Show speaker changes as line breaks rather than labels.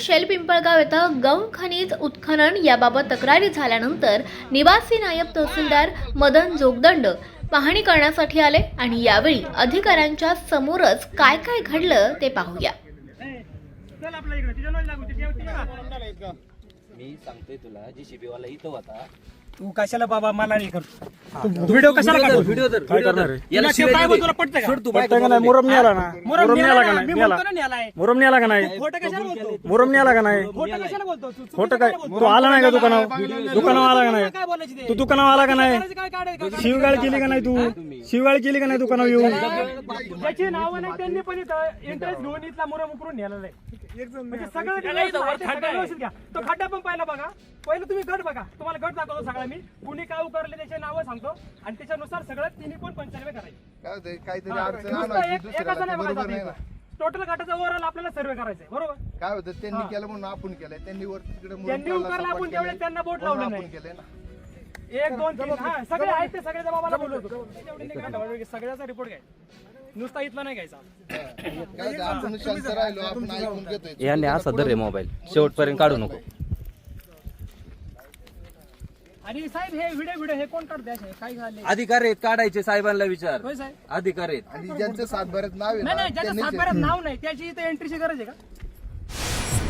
Shell Pimpalgaon येथे गौण खनिज उत्खनन याबाबत तक्रारी झाल्यानंतर निवासी नायब तहसीलदार मदन जोगदंड पाहणी करण्यासाठी आले आणि यावेळी अधिकाऱ्यांच्या समोरच काय काय घडलं ते पाहूया.
मी सांगतोय तुला जीसीबी वाला इथं होता.
तू कशाला बाबा मला नाही करतो. व्हिडिओ कशाला काढतो?
व्हिडिओ तर
काय करणार आहे?
याला
तुला काय बोलतो? तुला पटतं का?
सोड तू
पटतं का नाही? मुरम आला ना,
मुरम
मुरम
नेला
का
ना,
नाही?
मी
नेला.
म्हणतो ना नेलाय.
मुरम नेला का नाही?
खोटं कशाला बोलतो?
मुरम नेला का नाही?
खोटं कशाला बोलतो? तू चुकीचं
खोटं काय?
कशाला बोलतो?
तू आला नाही का दुकानावर? दुकानावर आला का नाही?
काय बोलायची ते?
तू दुकानावर आला का नाही?
करायचं काय काढायचं?
शिवगाळ केली का नाही? तू शिवगाळ केली का नाही दुकानावर येऊन?
ज्याची नावं नाही त्यांनी पण इंटरेस्ट घेऊन इथला मुरम उकरून नेलेला आहे. म्हणजे सगळं व्यवस्थित घ्या. तो खड्डा पण पाहिला बघा. पहिलं तुम्ही गट बघा. तुम्हाला गट दाखवतो सगळा मी. कुणी काय उकरले त्याचे नावं सांगतो आणि त्याच्यानुसार सगळं तिन्ही पण 95 करायचे.
काहीतरी
हा,
अडचण
नुसतं
आणायची
एकाचा
दुसऱ्याला
नाही
बरोबर
बघायचा
नाही ना.
आपल्याला. टोटल घाटाचा ओव्हरऑल आपल्याला सर्वे करायचा आहे. बरोबर.
काय होतं त्यांनी केलं म्हणून आपण केलंय. त्यांनी वर तिकडे
त्यांनी उकरला आपण तेवढे त्यांना बोट लावलं नाही.
केलंय ना.
1 2 3 हा सगळे आहेत ते सगळ्या जबाबाला बोलवतो. सगळ्याचा रिपोर्ट घ्यायचा. नुसता इथला नाही घ्यायचा.
काय ते आपण शांत राहिलो आपण ऐकून घेतोय.
याने असा धर रे मोबाईल शेवटपर्यंत काढू नको.
आणि साहेब हे व्हिडिओ हे कोण काढते असे? काय झाले?
अधिकार आहेत काढायचे साहेबांना विचार.
होय साहेब.
अधिकार आहेत.
आणि ज्यांचं सातबाऱ्यात नाव आहे
नाही
ना
नाही ज्याच्या
त्यांनीच
सातबाऱ्यात नाव नाही त्याची इथे एंट्रीची गरज आहे का?